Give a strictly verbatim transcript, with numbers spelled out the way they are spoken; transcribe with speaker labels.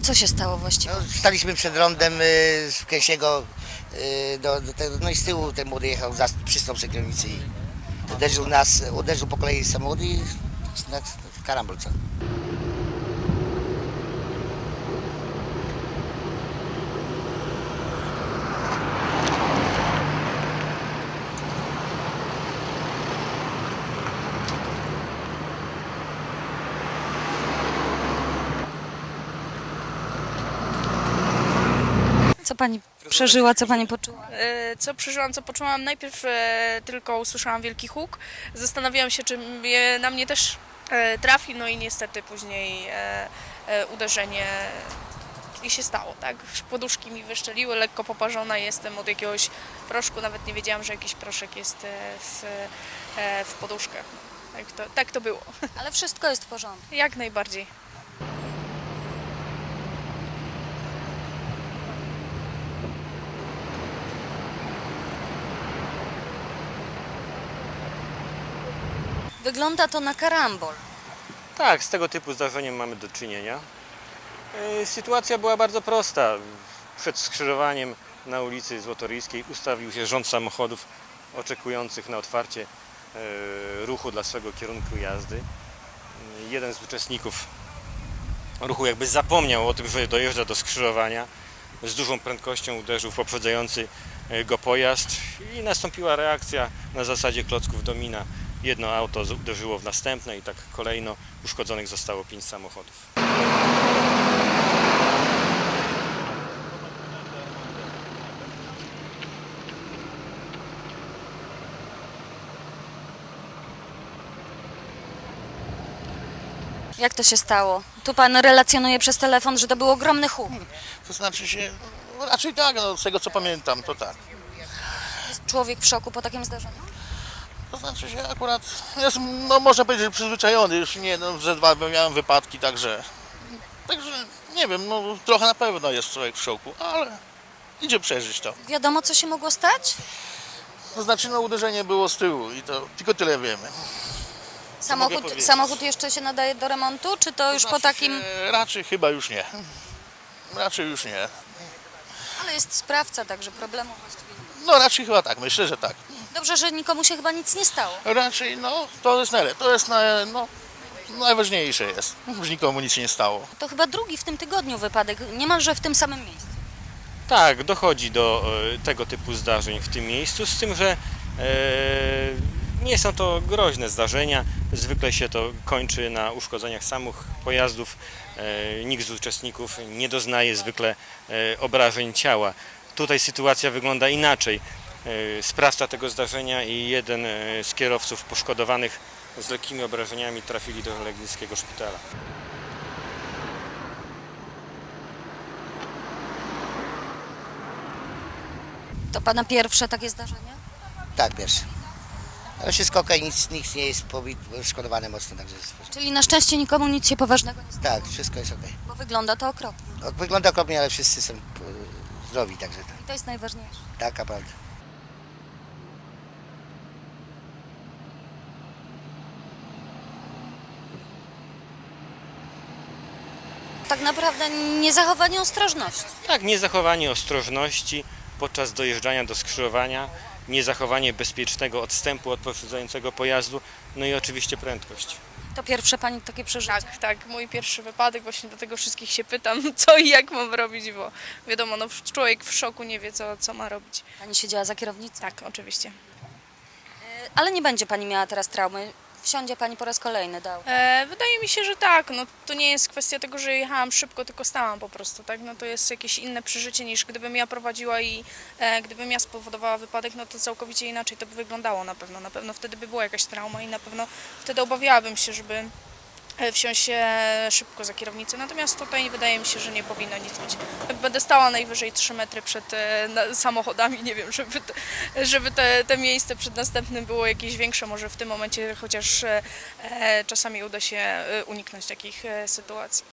Speaker 1: Co się stało właściwie?
Speaker 2: No, staliśmy przed rondem y, z Kęsiego, y, do, do tego, no i z tyłu ten młody jechał, za, przystał przy kierownicy i uderzył nas, uderzył po kolei samochód i na karambol co.
Speaker 1: Co pani przeżyła, co pani poczuła?
Speaker 3: E, Co przeżyłam, co poczułam? Najpierw e, tylko usłyszałam wielki huk. Zastanawiałam się, czy mnie, na mnie też e, trafi, no i niestety później e, e, uderzenie i się stało, tak? Poduszki mi wyszczeliły, lekko poparzona jestem od jakiegoś proszku, nawet nie wiedziałam, że jakiś proszek jest e, w, e, w poduszkach. Tak to, tak to było,
Speaker 1: Ale wszystko jest w porządku.
Speaker 3: jak najbardziej.
Speaker 1: Wygląda to na karambol.
Speaker 4: Tak, z tego typu zdarzeniem mamy do czynienia. E, Sytuacja była bardzo prosta. Przed skrzyżowaniem na ulicy Złotoryjskiej ustawił się rząd samochodów oczekujących na otwarcie e, ruchu dla swego kierunku jazdy. E, Jeden z uczestników ruchu jakby zapomniał o tym, że dojeżdża do skrzyżowania. Z dużą prędkością uderzył w poprzedzający e, go pojazd i nastąpiła reakcja na zasadzie klocków domina. Jedno auto uderzyło w następne i tak kolejno uszkodzonych zostało pięć samochodów.
Speaker 1: Jak to się stało? Tu pan relacjonuje przez telefon, że to był ogromny huk.
Speaker 5: To znaczy się, no raczej tak, no, z tego co pamiętam, to tak.
Speaker 1: Jest człowiek w szoku po takim zdarzeniu?
Speaker 5: To znaczy się akurat, jest, no można powiedzieć, że przyzwyczajony, już nie, no ze dwa miałem wypadki, także, także nie wiem, no trochę na pewno jest człowiek w szoku, ale idzie przeżyć to.
Speaker 1: Wiadomo, co się mogło stać?
Speaker 5: To znaczy, no uderzenie było z tyłu i to tylko tyle wiemy.
Speaker 1: Samochód,
Speaker 5: powiedzieć?
Speaker 1: samochód jeszcze się nadaje do remontu, czy to już
Speaker 5: To
Speaker 1: po
Speaker 5: znaczy
Speaker 1: takim...
Speaker 5: się, raczej chyba już nie. Raczej już nie.
Speaker 1: Ale jest sprawca, także problemu właściwie nie ma.
Speaker 5: No raczej chyba tak, myślę, że tak.
Speaker 1: Dobrze, że nikomu się chyba nic nie stało.
Speaker 5: Raczej, no to jest najlepsze, to jest na, no, najważniejsze jest, że nikomu nic się nie stało.
Speaker 1: To chyba drugi w tym tygodniu wypadek, niemalże w tym samym miejscu.
Speaker 4: Tak, dochodzi do e, tego typu zdarzeń w tym miejscu, z tym, że e, nie są to groźne zdarzenia. Zwykle się to kończy na uszkodzeniach samych pojazdów. E, nikt z uczestników nie doznaje zwykle e, obrażeń ciała. Tutaj sytuacja wygląda inaczej. E, sprawca tego zdarzenia i jeden e, z kierowców poszkodowanych z lekkimi obrażeniami trafili do legnickiego szpitala.
Speaker 1: To pana pierwsze takie zdarzenie?
Speaker 2: Tak, pierwszy. Ale wszystko okej, nic, nic nie jest poszkodowane mocno, także jest,
Speaker 1: Czyli na szczęście nikomu nic się poważnego nie stało,
Speaker 2: tak, wszystko jest okej.
Speaker 1: bo wygląda to okropnie.
Speaker 2: No, wygląda okropnie, ale wszyscy są y, zdrowi, także tak,
Speaker 1: I to jest najważniejsze.
Speaker 2: taka prawda.
Speaker 1: Tak naprawdę niezachowanie ostrożności.
Speaker 4: Tak, niezachowanie ostrożności podczas dojeżdżania do skrzyżowania, niezachowanie bezpiecznego odstępu od poprzedzającego pojazdu, no i oczywiście prędkość.
Speaker 1: To pierwsze pani takie przeżycie.
Speaker 3: Tak, tak, mój pierwszy wypadek, właśnie dlatego wszystkich się pytam, co i jak mam robić, bo wiadomo, no człowiek w szoku nie wie, co, co ma robić.
Speaker 1: Pani siedziała za kierownicą.
Speaker 3: Tak, oczywiście.
Speaker 1: Ale nie będzie pani miała teraz traumy. Wsiądzie pani po raz kolejny do auta.
Speaker 3: E, wydaje mi się, że tak, no to nie jest kwestia tego, że jechałam szybko, tylko stałam po prostu, tak, no to jest jakieś inne przeżycie niż gdybym ja prowadziła i e, gdybym ja spowodowała wypadek, no to całkowicie inaczej to by wyglądało na pewno, na pewno wtedy by była jakaś trauma i na pewno wtedy obawiałabym się, żeby e, wsiąść e, szybko za kierownicę, natomiast tutaj wydaje mi się, że nie powinno nic być. Będę stała najwyżej trzy metry przed e, na, samochodami, nie wiem, żeby, te, żeby te, te miejsce przed następnym było jakieś większe, może w tym momencie, chociaż e, e, czasami uda się e, uniknąć takich e, sytuacji.